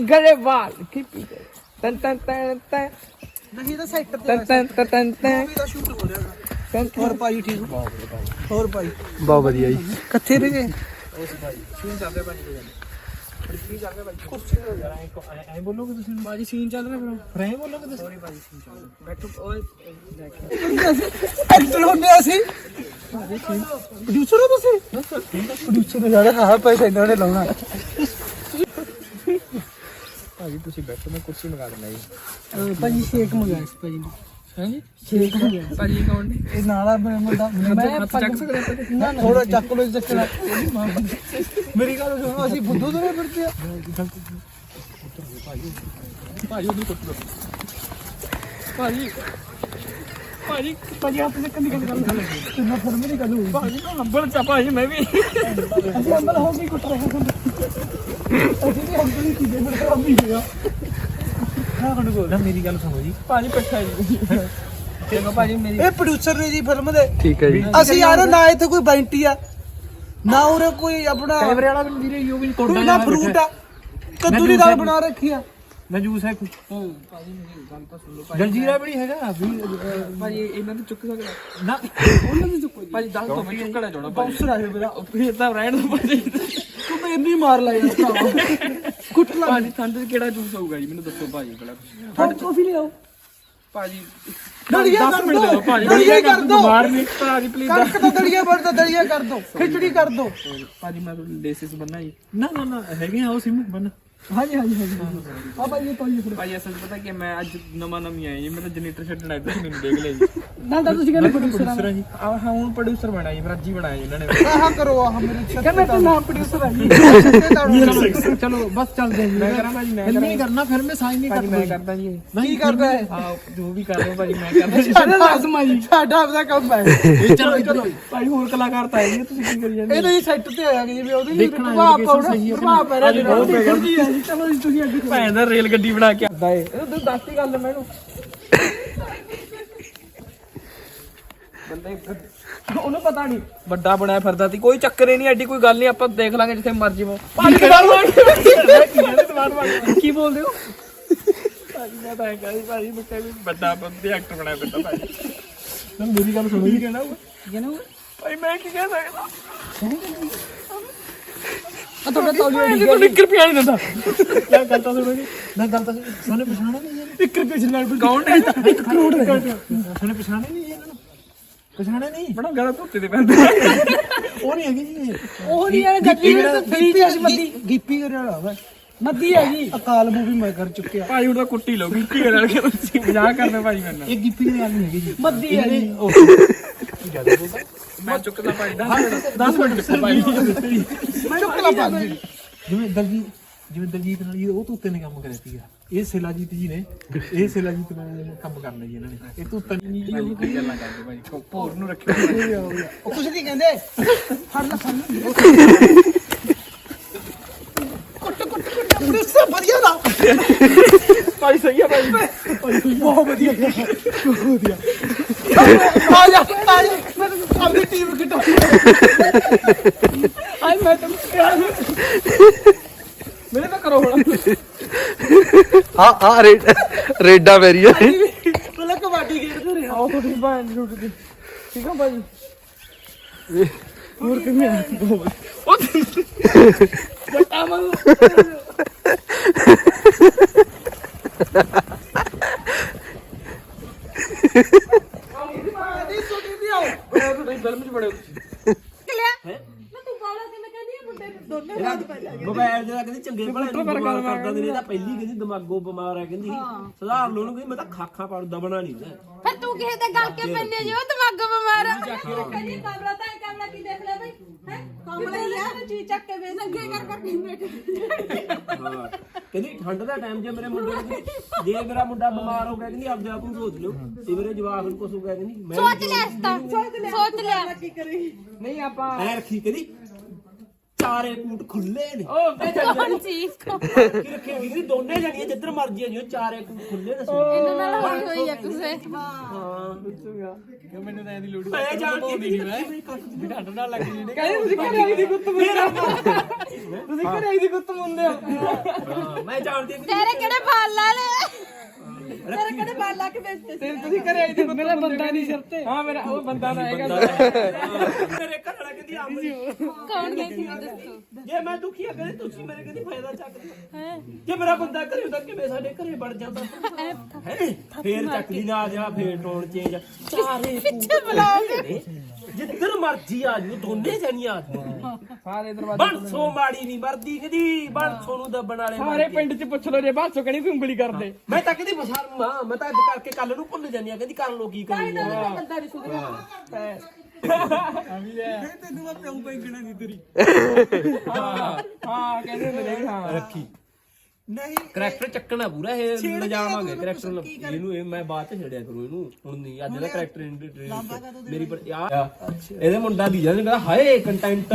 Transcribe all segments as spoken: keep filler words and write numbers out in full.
ਗਰੇਵਾਲ ਕੀ ਪੀ ਤਨ ਤਨ ਤਨ ਤਨ ਨਹੀਂ ਤਾਂ ਸੈਕਟਰ ਤੇ ਤਨ ਤਨ ਤਨ ਤਨ ਤਨ ਦਾ ਸ਼ੂਟ ਹੋ ਰਿਹਾ ਹੋਰ ਭਾਈ ਠੀਕ ਹੋਰ ਭਾਈ ਬਹੁਤ ਵਧੀਆ ਜੀ ਕਿੱਥੇ ਰਹਿ ਗਏ ਉਸ ਭਾਈ ਸੀਨ ਚੱਲਦੇ ਭਾਈ ਕੀ ਚੱਲਦੇ ਭਾਈ ਕੁਰਸੀ ਤੇ ਯਾਰ ਐ ਐ ਬੋਲੋਗੇ ਤੁਸੀਂ ਬਾਜੀ ਸੀਨ ਚੱਲ ਰਿਹਾ ਫਿਰ ਫਿਰ ਐ ਬੋਲੋਗੇ ਤੁਸੀਂ ਸੌਰੀ ਭਾਜੀ ਸੀਨ ਚੱਲ ਰਿਹਾ ਬੈਠੋ ਓਏ ਐਕਟਰ ਹੁੰਦੇ ਅਸੀਂ ਪ੍ਰੋਡਿਊਸਰ ਹੋ ਤੁਸੀਂ ਪ੍ਰੋਡਿਊਸਰ ਜ਼ਿਆਦਾ ਹਾਂ ਪੈਸੇ ਇਹਨਾਂ ਨੇ ਲਾਉਣਾ ਭਾਜੀ ਤੁਸੀਂ ਬੈਠੋ ਮੈਂ ਕੁਰਸੀ ਮੰਗਾ ਦਿੰਦਾ ਜੀ ਭਾਜੀ ਸ਼ੇਕ ਮੰਗਾਇਆ ਸੀ ਭਾਜੀ ਹਾਂਜੀ ਸ਼ੇਕ ਮੰਗਾਇਆ ਭਾਜੀ ਕੌਣ ਨੇ ਇਹ ਨਾਲਾ ਮੁੰਡਾ ਮੈਂ ਚੱਕ ਸਕਦੇ ਨਾ ਥੋੜਾ ਚੱਕ ਲੋ ਚੱਕਣਾ ਮੇਰੀ ਗੱਲ ਸੁਣੋ ਅਸੀਂ ਬੁੱਧੂ ਤੋਂ ਫਿਰਦੇ ਆ ਭਾਜੀ ਉਹਨੂੰ ਕੁੱਟ ਲਓ ਭਾਜੀ ਭਾਜੀ ਭਾਜੀ ਆਪ ਨੇ ਕੰਨੀ ਗੱਲ ਕਰ ਕਿੰਨਾ ਫਰਮ ਨਹੀਂ ਕਰੂ ਭਾਜੀ ਮੈਂ ਹੰਬਲ ਚਾ ਭਾਜੀ ਮੈਂ ਵੀ ਅਸੀਂ ਅੰਦਰ ਹੋ ਕੇ ਕੁੱਟ ਰਹੇ ਹਾਂ ਅਸੀਂ ਵੀ ਹੰਬਲ ਹੀ ਕੀਦੇ ਫਿਰ ਕੰਮ ਹੀ ਹੋਇਆ ਹਾਂ ਕੰਨ ਕੋਲ ਮੇਰੀ ਗੱਲ ਸੁਣੋ ਜੀ ਭਾਜੀ ਪੱਠਾ ਜੀ ਦੇਖੋ ਭਾਜੀ ਮੇਰੀ ਇਹ ਪ੍ਰੋਡਿਊਸਰ ਨੇ ਜੀ ਫਿਲਮ ਦੇ ਠੀਕ ਹੈ ਜੀ ਅਸੀਂ ਯਾਰ ਨਾ ਇੱਥੇ ਕੋਈ ਬੈਂਟੀ ਆ ਨਾ ਉਰੇ ਕੋਈ ਆਪਣਾ ਕੈਮਰੇ ਵਾਲਾ ਵੀ ਵੀਰੇ ਯੂ ਵੀ ਕੋਈ ਨਾ ਫਰੂਟ ਆ ਕੱਦੂ ਦੀ ਦਾਲ ਬਣਾ ਰੱਖੀ ਆ ਮੈਂ ਜੂਸ ਹੈ ਕੋਈ ਭਾਜੀ ਮੇਰੀ ਗੱਲ ਤਾਂ ਸੁਣ ਲਓ ਭਾਜੀ ਜਲਜੀਰਾ ਵੀ ਨਹੀਂ ਹੈਗਾ ਭਾਜੀ ਇਹਨਾਂ ਨੂੰ ਚੁੱਕ ਸਕਦਾ ਨਾ ਉਹਨਾਂ ਨੂੰ ਚੁੱਕੋ ਭਾਜੀ ਦੱਸ ਦੋ ਮੈਂ ਚੁੱਕਣਾ ਚਾਹਣਾ ਬਾਉਂਸਰ ਆ ਮੇਰਾ ਫਿਰ ਤਾਂ ਰਹਿਣ ਦੋ ਭਾਜੀ ਤੂੰ ਤਾਂ ਇੰਨੀ ਮਾਰ ਲਾਇਆ ਕੁੱਟ ਲਾ ਭਾਜੀ ਠੰਡ ਚ ਕਿਹੜਾ ਜੂਸ ਹੋਊਗਾ ਜੀ ਮੈਨੂੰ ਦੱਸੋ ਭਾਜੀ ਪਹਿਲਾਂ ਠੰਡ ਕਾਫੀ ਲਿਆਓ ਭਾਜੀ ਦਲੀਆ ਦਸ ਕਰ ਮਿੰਟ ਦੇ ਦਿਓ ਭਾਜੀ ਦਲੀਆ ਕਰ ਦੋ ਮਾਰ ਨਹੀਂ ਭਾਜੀ ਪਲੀਜ਼ ਕਣਕ ਦਾ ਦਲੀਆ ਬਣ ਦਾ ਦਲੀਆ ਕਰ ਦੋ ਖਿਚੜੀ ਕਰ ਦੋ ਭਾਜੀ ਮੈਂ ਲੇਸਿਸ ਬੰਨਾ ਜੀ ਨਾ ਨਾ ਨਾ ਹੈਗੇ ਆ ਉਹ ਸਿਮ ਬੰਨ ਹਾਂਜੀ ਹਾਂਜੀ ਹਾਂਜੀ ਆ ਭਾਈ ਇਹ ਪਾਈਏ ਫਿਰ ਭਾਜੀ ਅਸਲ ਪਤਾ ਕਿ ਮੈਂ ਅੱਜ ਨਵਾਂ ਨਵੀਂ ਆਇਆ ਜੀ ਮੇਰਾ ਜਨਰੇਟਰ ਛੱਡਣਾ ਇੱਧਰ ਮੈਨੂੰ ਦੇਖ ਲਿਆ ਜੀ ਨਾ ਤਾਂ ਤੁਸੀਂ ਕਹਿੰਦੇ ਪ੍ਰੋਡਿਊਸਰ ਜੀ ਆ ਹਾਂ ਹੁਣ ਪ੍ਰੋਡਿਊਸਰ ਬਣਾ ਜੀ ਫਿਰ ਅੱਜ ਹੀ ਬਣਾਇਆ ਜੀ ਇਹਨਾਂ ਨੇ ਆਹ ਕਰੋ ਆਹ ਮੇਰੇ ਛੱਤ ਕਹਿੰਦਾ ਤੂੰ ਨਾਮ ਪ੍ਰੋਡਿਊਸਰ ਆ ਜੀ ਚਲੋ ਚਲੋ ਬਸ ਚੱਲਦੇ ਜੀ ਮੈਂ ਕਰਾਂ ਭਾਜੀ ਮੈਂ ਨਹੀਂ ਕਰਨਾ ਫਿਰ ਮੈਂ ਸਾਈਨ ਨਹੀਂ ਕਰਦਾ ਮੈਂ ਕਰਦਾ ਜੀ ਕੀ ਕਰਦਾ ਹੈ ਹਾਂ ਜੋ ਵੀ ਕਰ ਰਹੇ ਹੋ ਭਾਜੀ ਮੈਂ ਕਰਦਾ ਸਾਡਾ ਲਾਜ਼ਮਾ ਜੀ ਸਾਡਾ ਆਪਦਾ ਕੰਮ ਹੈ ਚਲੋ ਚਲੋ ਭਾਈ ਹੋਰ ਕਲਾਕਾਰ ਤਾਂ ਆਏ ਤੁਸੀਂ ਕੀ ਕਰੀ ਜਾਂਦੇ ਇਹ ਤਾਂ ਜੀ ਸੈੱਟ ਤੇ ਆਇਆ ਕਿ ਜਿਵੇਂ ਉਹਦੇ ਲਈ ਪ੍ਰਭਾਵ ਪਾਉਣਾ ਪ੍ਰਭਾਵ ਪੈ ਰਿਹਾ ਜੀ ਚਲੋ ਜੀ ਤੁਸੀਂ ਅੱਗੇ ਭੈਣ ਦਾ ਰੇਲ ਗੱਡੀ ਬਣਾ ਕੇ ਆਉਂਦਾ ਏ ਤੂੰ ਦੱਸਤੀ ਗੱਲ ਮੈਨੂੰ ਬੰਦੇ ਉਹਨੂੰ ਪਤਾ ਨਹੀਂ ਵੱਡਾ ਬਣਾਇਆ ਫਿਰਦਾ ਸੀ ਕੋਈ ਚੱਕਰ ਹੀ ਨਹੀਂ ਐਡੀ ਕੋਈ ਗੱਲ ਨਹੀਂ ਆਪਾਂ ਦੇਖ ਲਾਂਗੇ ਜਿੱਥੇ ਮਰਜੀ ਮੋ ਕੀ ਬੋਲਦੇ ਹੋ ਭਾਜੀ ਮੈਂ ਤਾਂ ਕਹਿੰਦਾ ਭਾਜੀ ਮੈਂ ਕਹਿੰਦਾ ਵੱਡਾ ਬੰਦੇ ਐਕਟਰ ਬਣਾਇਆ ਫਿਰਦਾ ਭਾਜੀ ਮੇਰੀ ਗੱਲ ਸੁਣੋ ਜੀ ਕਹਿਣਾ ਜਨੂ ਭਾਈ ਮੈਂ ਕੀ ਕਹਿ ਸਕਦਾ ਆ ਤੁਹਾਡਾ ਤੌਲੀਆ ਇਹ ਤਾਂ ਇੱਕ ਰੁਪਿਆ ਨਹੀਂ ਦਿੰਦਾ ਕੀ ਗੱਲ ਤਾਂ ਸੁਣੋ ਜੀ ਨਾ ਗੱਲ ਤਾਂ ਸਾਨੂੰ ਪਛਾਣਿਆ ਨਹੀਂ ਇੱਕ ਰੁਪਏ ਨਾਲ ਕੌਣ ਹੈ ਇੱਕ ਕਰੋੜ ਹੈ ਸਾਨੂੰ ਪਛਾਣਿਆ ਨਹੀਂ ਇਹਨਾਂ ਨੂੰ ਪਛਾਣਿਆ ਨਹੀਂ ਬੜਾ ਗਲਾ ਧੋਤੇ ਦੇ ਪੈਂਦੇ ਉਹ ਨਹੀਂ ਹੈਗੀ ਜੀ ਉਹ ਨਹੀਂ ਹੈ ਗੱਡੀ ਗਿੱਪੀ ਅਸੀਂ ਮੱਦੀ ਗਿੱਪੀ ਕਰਨ ਵਾਲਾ ਵਾ ਮੱਦੀ ਹੈ ਜੀ ਅਕਾਲ ਮੂਵੀ ਮੈਂ ਕਰ ਚੁੱਕਿਆ ਭਾਈ ਹੁਣ ਤਾਂ ਕੁੱਟੀ ਲਓ ਗਿੱਪੀ ਨਾਲ ਕੇ ਤੁਸੀਂ ਮਜ਼ਾਕ ਕਰਦੇ ਭਾਜੀ ਮੇਰੇ ਨਾਲ ਇਹ ਗਿੱਪੀ ਦੇ ਨਾਲ ਨਹੀਂ ਹੈਗੀ ਜੀ ਮੱਦੀ ਹੈ ਜੀ ਮੈਂ ਚੁੱਕਦਾ ਭਾਈ ਦਸ ਮਿੰਟ ਭਾਈ ਮੈਂ ਚੁੱਕਲਾ ਪਾ ਜਿਵੇਂ ਦਲਜੀਤ ਜਿਵੇਂ ਦਲਜੀਤ ਨਾਲ ਉਹ ਤੂਤੇ ਨੇ ਕੰਮ ਕਰਿਆ ਸੀਗਾ ਇਹ ਸਿਲਾਜੀਤ ਜੀ ਨੇ ਇਹ ਸਿਲਾਜੀਤ ਨਾਲ ਕੰਮ ਕਰਨਾ ਜੀ ਇਹਨਾਂ ਨੇ ਇਹ ਤੂਤਾ ਨਹੀਂ ਜੀ ਉਹ ਕੀ ਗੱਲਾਂ ਕਰਦੇ ਭਾਈ ਭੋਰ ਨੂੰ ਰੱਖਿਓ ਉਹ ਕੁਛ ਨਹੀਂ ਕਹਿੰਦੇ ਫੜ ਲੈ ਫੜ ਲੈ ਕੁੱਟ ਕੁੱਟ ਕੁੱਟ ਪ੍ਰੋਡਿਊਸਰ ਵਧੀਆ ਦਾ ਭਾਈ ਸਹੀ ਆ ਭਾਈ ਬਹੁਤ ਵਧੀਆ ਬਹੁਤ ਵਧੀਆ ਆ ਜਾ ਆ ਜਾ ਮੈਂ ਆਪਣੀ ਟੀਮ ਕਿਟਾ ਆਈ ਮੈਂ ਤਾਂ ਮੇਰੇ ਤਾਂ ਕਰੋ ਹੁਣ ਹਾਂ ਹਾਂ ਰੇਡਾ ਵੈਰੀਆ ਪਹਿਲਾਂ ਕਬੱਡੀ ਖੇਡਦੇ ਰਹੇ ਆਓ ਤੁਹਾਡੀ ਭੈਣ ਦੀ ਰੋਟੀ ਠੀਕ ਆ ਭਾਈ ਹੋਰ ਕਿਵੇਂ ਆ ਉਹ ਬਟਾ ਮਨ ਨਹੀਂ ਛੋਟੀ ਵੀ ਆਓ ਤੁਹਾਡੀ ਫਿਲਮ ਚ ਬੜੇ ਮੋਬਾਈਲ ਜਿਹੜਾ ਕਹਿੰਦੀ ਚੰਗੇ ਭਲੇ ਨੂੰ ਬਿਮਾਰ ਕਰਦਾ ਨਹੀਂ ਤਾਂ ਪਹਿਲੀ ਕਹਿੰਦੀ ਦਿਮਾਗੋਂ ਬਿਮਾਰ ਹੈ ਕਹਿੰਦੀ ਸੁਧਾਰ ਲੋ ਨੂੰ ਕਹਿੰਦੀ ਮੈਂ ਤਾਂ ਖਾਖਾਂ ਪਾੜ ਦਬਣਾ ਨਹੀਂ ਹੁੰਦਾ ਫਿਰ ਤੂੰ ਕਿਸੇ ਦੇ ਗੱਲ ਕੇ ਪੈਨੇ ਜੋ ਦਿਮਾਗ ਬਿਮਾਰ ਆ ਕਹਿੰਦੀ ਕਮਰਾ ਤਾਂ ਕਮਰਾ ਕੀ ਦੇਖ ਲੈ ਬਈ ਹੈ ਕਮਰਾ ਹੀ ਆ ਚੀਜ਼ ਚੱਕ ਕੇ ਵੇਚ ਨੰਗੇ ਕਰ ਕਰ ਕੇ ਬੈਠੇ ਹਾਂ ਕਹਿੰਦੀ ਠੰਡ ਦਾ ਟਾਈਮ ਜੇ ਮੇਰੇ ਮੁੰਡੇ ਨੂੰ ਜੇ ਮੇਰਾ ਮੁੰਡਾ ਬਿਮਾਰ ਹੋ ਗਿਆ ਕਹਿੰਦੀ ਆਪਦੇ ਆਪ ਨੂੰ ਸੋਚ ਲਿਓ ਤੇ ਮੇਰੇ ਜਵਾਬ ਨੂੰ ਕੁਝ ਹੋ ਗਿਆ ਕਹਿੰਦੀ ਮੈਂ ਸੋਚ ਲੈ ਇਸ ਤਾਂ ਸੋਚ ਲਿਆ ਨਹੀਂ ਆਪਾਂ ਐ ਰੱਖੀ ਕਹਿੰਦੀ ਚਾਰੇ ਕੂਟ ਖੁੱਲੇ ਨੇ ਕੌਣ ਸੀ ਕੀ ਰੱਖੇ ਵੀ ਦੋਨੇ ਜਣੀਆਂ ਜਿੱਧਰ ਮਰਜੀ ਆ ਜਿਓ ਚਾਰੇ ਕੂਟ ਖੁੱਲੇ ਦੱਸੋ ਇਹਨਾਂ ਨਾਲ ਹੋਈ ਹੋਈ ਆ ਕਿਸੇ ਮੈਨੂੰ ਤਾਂ ਇਹਦੀ ਲੋੜ ਮੈਂ ਜਾਣਦੀ ਨਹੀਂ ਮੈਂ ਵੀ ਢੱਡ ਨਾਲ ਲੱਗ ਜੀ ਨੇ ਕਹਿੰਦੇ ਤੁਸੀਂ ਘਰੇ ਆਈ ਦੀ ਗੁੱਤ ਮੁੰਦੇ ਤੁਸੀਂ ਘਰੇ ਆਈ ਦੀ ਗੁੱਤ ਮੁੰਦੇ ਹੋ ਮੈਂ ਜਾਣਦੀ ਨਹੀਂ ਤੇਰੇ ਕਿਹੜੇ ਬਾਲ ਲਾ ਲੈ ਤੇਰੇ ਕਿਹੜੇ ਬਾਲ ਲਾ ਕੇ ਵੇਚਦੇ ਸੀ ਤੁਸੀਂ ਘਰੇ ਆਈ ਦੀ ਗੁੱਤ ਮੇਰਾ ਬੰਦਾ ਨਹੀਂ ਸਿਰ ਤੇ ਹਾਂ ਮੇਰਾ ਉਹ ਬੰਦਾ ਨਾ ਹੈਗਾ ਮੇਰੇ ਘਰ ਵਾਲਾ ਕਹਿੰਦੀ ਆਮਰੀ ਕੌਣ ਗਈ ਸੀ ਦੱਸੋ ਜੇ ਮੈਂ ਦੁਖੀ ਆ ਕਰੇ ਤੁਸੀਂ ਮੇਰੇ ਕਹਿੰਦੀ ਫਾਇਦਾ ਚੱਕਦੇ ਜੇ ਮੇਰਾ ਬੰਦਾ ਘਰੇ ਹੁੰਦਾ ਕਿਵੇਂ ਸਾਡੇ ਘਰੇ ਵੜ ਜਾਂਦਾ ਹੈ ਫੇਰ ਚੱਕਦੀ ਨਾ ਆ ਜਾ ਫੇਰ ਟੋਨ ਚੇਂਜ ਚਾਰੇ ਪਿੱਛੇ ਬੁਲਾਓਗੇ ਜਿੱਧਰ ਮਰਜੀ ਆ ਜੂ ਦੋਨੇ ਜਣੀਆਂ ਆ ਜਾਓ। ਸਾਰੇ ਦਰਵਾਜ਼ੇ ਬੰਸੋ ਮਾੜੀ ਨਹੀਂ ਮਰਦੀ ਕਦੀ ਬੰਸੋ ਨੂੰ ਦੱਬਣ ਵਾਲੇ ਮਰ ਸਾਰੇ ਗਏ। ਪਿੰਡ ਚ ਪੁੱਛ ਲੋ ਜੇ ਬਾਸੋ ਕਿਹੜੀ ਵੀ ਉਂਗਲੀ ਕਰਦੇ ਮੈਂ ਤਾਂ ਕਹਿੰਦੀ ਬਸਾਰੂ ਆ ਮੈਂ ਤਾਂ ਅੱਜ ਕਰਕੇ ਕੱਲ ਨੂੰ ਭੁੱਲ ਜਾਂਦੀ ਆ ਕਹਿੰਦੀ ਕਰ ਲੋ ਕੀ ਕਰਨੀ ਆ ਬੰਦਾ ਨਹੀਂ ਸੁਧਰਿਆ ਤੈਨੂੰ ਮੈਂ ਪਿਉ ਪੈਂਗਣਾ ਨਹੀਂ ਤੇਰੀ ਹਾਂ ਕਹਿੰਦੇ ਹੁੰਦੇ ਨੇ ਹਾਂ ਰੱਖੀ ਨਹੀਂ ਕਰੈਕਟਰ ਚੱਕਣਾ ਪੂਰਾ ਇਹ ਲਿਜਾਵਾਂਗੇ ਕਰੈਕਟਰ ਇਹਨੂੰ ਇਹ ਮੈਂ ਬਾਅਦ ਚ ਛੇੜਿਆ ਕਰੂੰ ਇਹਨੂੰ ਹੁਣ ਨਹੀਂ ਅੱਜ ਦਾ ਕਰੈਕਟਰ ਮੇਰੀ ਪਰ ਯਾਰ ਇਹਦੇ ਮੁੰਡਾ ਦੀ ਜਾਂਦੇ ਕਹਿੰਦਾ ਹਾਏ ਕੰਟੈਂਟ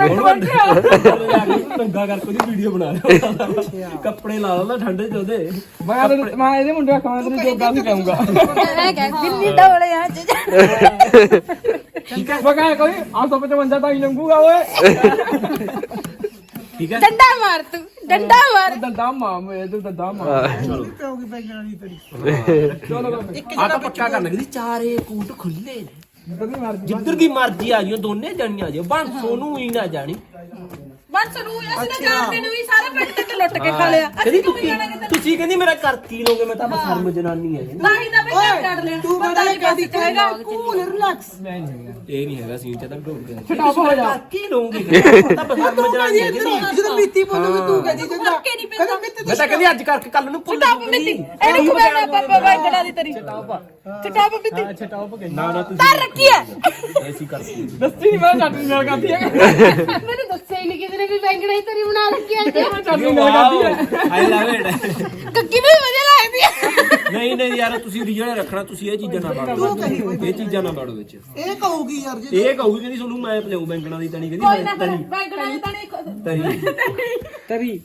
ਨੰਗਾ ਕਰਕੇ ਉਹਦੀ ਵੀਡੀਓ ਬਣਾ ਲਿਆ ਕੱਪੜੇ ਲਾ ਲਾ ਠੰਡੇ ਚ ਉਹਦੇ ਮੈਂ ਤੈਨੂੰ- ਮੈਂ ਇਹਦੇ ਮੁੰਡੇ ਖਾਂ ਤੈਨੂੰ ਜੋਗਾ ਵੀ ਕਹੂੰਗਾ ਇਹ ਕਹਿ ਦਿੱਲੀ ਡੋਲੇ ਆ ਅੱਜ ਠੀਕ ਹੈ ਬਗਾ ਕੋਈ ਆ ਸੌ ਪਚਵੰਜਾ ਤਾਂ ਹੀ ਲੰਗੂਗਾ ਓਏ ਠੀਕ ਹੈ ਡੰਡਾ ਮਾਰ ਤੂੰ ਡੰਡਾ ਮਾਰ ਦੰਦਾ ਮਾਮ ਇਹ ਤੇ ਦੰਦਾ ਮਾਮ ਪਿਓਗੀ ਪੈਂਗਣਾ ਨਹੀਂ ਤੇਰੀ ਚਲੋ ਆ ਤਾਂ ਪੱਕਾ ਕਰਨ ਲੱਗੀ ਚਾਰੇ ਕੂਟ ਖੁੱਲੇ ਨੇ ਜਿੱਦਾਂ ਦੀ ਮਰਜ਼ੀ ਜਿੱਧਰ ਦੀ ਮਰਜ਼ੀ ਆ ਜਿਓ ਦੋਨੇ ਜਣੀਆਂ ਜਿਓ ਬੰਸੋ ਨੂੰ ਹੀ ਨਾ ਜਾਣੀ ਬਸ ਨੂੰ ਅਸੀਂ ਤਾਂ ਜਾਣਦੇ ਨੂੰ ਵੀ ਸਾਰੇ ਪਿੰਡ ਤੇ ਲੁੱਟ ਕੇ ਖਾ ਲਿਆ ਕਹਿੰਦੀ ਅਸੀਂ ਕਿਉਂ ਤੁਸੀਂ ਜਾਣਾ ਕਿਤੇ ਤੁਸੀਂ ਕਹਿੰਦੀ ਮੇਰਾ ਕਰ ਕੀ ਲੋਗੇ ਮੈਂ ਤਾਂ ਸ਼ਰਮ ਜਨਾਨੀ ਹੈ ਤਾਂ ਹੀ ਤਾਂ ਮੈਂ ਕੱਢ ਲਿਆ ਤੂੰ ਪਤਾ ਨਹੀਂ ਕਿਹਦੀ ਕਹੇਗਾ ਕੂਲ ਰਿਲੈਕਸ ਇਹ ਨਹੀਂ ਹੈਗਾ ਸੀਨ ਚ ਤਾਂ ਢੋਲ ਗਿਆ ਸਟਾਪ ਹੋ ਜਾ ਕੀ ਲਓਗੇ ਤਾਂ ਸ਼ਰਮ ਜਨਾਨੀ ਹੈ ਜਦੋਂ ਮਿੱਤੀ ਬੋਲੂਗੀ ਤੂੰ ਕਹਿੰਦੀ ਜਿੱਦਾਂ ਕੇ ਨਹੀਂ ਪੈਂਦਾ ਮੈਂ ਤਾਂ ਕਹਿੰਦੀ ਅੱਜ ਕਰਕੇ ਕੱਲ ਨੂੰ ਭੁੱਲ ਟਾਪ ਮਿੱਤੀ ਇਹਨੂੰ ਖਵਾਣਾ ਪਾਪਾ ਵਾਂਗੜਾ ਦੀ ਤੇਰੀ ਚਟਾਪ ਮਿੱਤੀ ਛਟਾਪ ਕੇ ਨਾ ਨਾ ਤੁਸੀਂ ਤਾਂ ਰੱਖੀ ਹੈ ਐਸੀ ਕਰਦੀ ਦੱਸੀ ਨਹੀਂ ਮੈਂ ਚਾਟਨੀ ਨਾਲ ਕਰਦੀ ਹੈ ਮੈਨੂੰ ਦੱਸਿਆ ਹੀ ਨਹੀਂ ਕਿਸੇ ਨੇ ਵੀ ਵਾਂਗੜਾ ਹੀ ਤੇਰੀ ਬਣਾ ਰੱਖੀ ਹੈ ਮੈਂ ਚਾਟਨੀ ਨਾਲ ਕਰਦੀ ਹੈ ਆਈ ਲਵ ਇਟ ਕੱਕੀ ਵੀ ਵਧੀਆ ਲੱਗਦੀ ਹੈ ਨਹੀਂ ਨਹੀਂ ਯਾਰ ਤੁਸੀਂ ਰੀਜਨ ਰੱਖਣਾ ਤੁਸੀਂ ਇਹ ਚੀਜ਼ਾਂ ਨਾ ਬਾੜੋ ਇਹ ਚੀਜ਼ਾਂ ਨਾ ਬਾੜੋ ਵਿੱਚ ਇਹ ਕਹੂਗੀ ਯਾਰ ਜੀ ਇਹ ਕਹੂਗੀ ਕਹਿੰਦੀ ਤੁਹਾਨੂੰ ਮੈਂ ਪਲਾਉ ਬੈਂਗਣਾ ਦੀ ਤਣੀ ਕੋਈ ਨਾ ਕਹਿੰਦੀ ਵਾਂਗੜਾ ਦੀ ਤਾਂ ਨਹੀਂ ਤਰੀ ਤਰੀ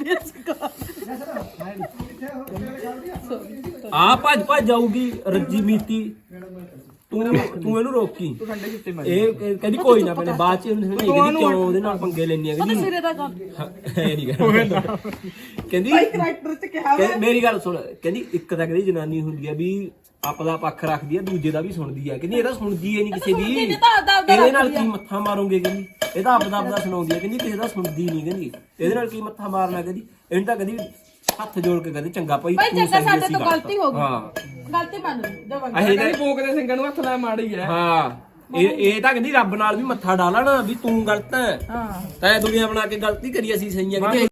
ਆ ਭੱਜ ਭੱਜ ਜਾਊਗੀ ਰੱਜੀ ਮੀਤੀ ਤੂੰ ਤੂੰ ਇਹਨੂੰ ਰੋਕੀ ਇਹ ਇਹ ਕਹਿੰਦੀ ਕੋਈ ਨਾ ਬਣੇ ਬਾਅਦ ਚ ਇਹਨੂੰ ਕਹਿੰਦੀ ਕਿਉਂ ਉਹਦੇ ਨਾਲ ਪੰਗੇ ਲੈਣੀ ਆ ਕਹਿੰਦੀ ਸਿਰੇ ਦਾ ਕੰਮ ਇਹ ਨਹੀਂ ਕਰਦਾ ਕਹਿੰਦੀ ਕਰੈਕਟਰ ਚ ਕਿਹਾ ਕਹਿੰਦੀ ਮੇਰੀ ਗੱਲ ਸੁਣ ਕਹਿੰਦੀ ਇੱਕ ਤਾਂ ਕਹਿੰਦੀ ਜਨਾਨੀ ਹੁੰਦੀ ਆ ਵੀ ਆਪਦਾ ਪੱਖ ਰੱਖਦੀ ਆ ਦੂਜੇ ਦਾ ਵੀ ਸੁਣਦੀ ਆ ਕਹਿੰਦੀ ਇਹ ਤਾਂ ਸੁਣਦੀ ਏ ਨਹੀਂ ਕਿਸੇ ਦੀ ਇਹਦੇ ਨਾਲ ਕੀ ਮੱਥਾ ਮਾਰੋਗੇ ਕਹਿੰਦੀ ਇਹ ਤਾਂ ਆਪਦਾ ਆਪਦਾ ਸੁਣਾਉਂਦੀ ਆ ਕਹਿੰਦੀ ਕਿਸੇ ਦਾ ਸੁਣਦੀ ਨਹੀਂ ਕਹਿੰਦੀ ਇਹਦੇ ਨਾਲ ਕੀ ਮੱਥਾ ਮਾਰਨਾ ਕਹਿੰਦੀ ਇਹਨੂੰ ਤਾਂ ਕਹਿੰਦੀ ਹੱਥ ਜੋੜ ਕੇ ਕਹਿੰਦੀ ਚੰਗਾ ਭਾਈ ਭਾਈ ਤੂੰ ਚੰਗਾ ਸਹੀ ਸਾਡੇ ਅਸੀਂ ਤੋਂ ਗਲਤ। ਗਲਤੀ ਹੋ ਗਈ ਹਾਂ ਗਲਤੀ ਮੰਨ ਲਈ ਜਵਾਬ ਅਸੀਂ ਤਾਂ ਕਹਿੰਦੀ ਭੋਗ ਦੇ ਸਿੰਘਾਂ ਨੂੰ ਹੱਥ ਲਾ ਮਾੜੀ ਹੈ ਹਾਂ ਇਹ ਇਹ ਤਾਂ ਕਹਿੰਦੀ ਰੱਬ ਨਾਲ ਵੀ ਮੱਥਾ ਡਾਲਣਾ ਵੀ ਤੂੰ ਗਲਤ ਹੈ ਹਾਂ ਤੈਂ ਦੁਨੀਆ ਬਣਾ ਕੇ ਗਲਤੀ ਕਰੀ ਅਸੀਂ ਸਹੀਆਂ ਕਹਿੰਦੀ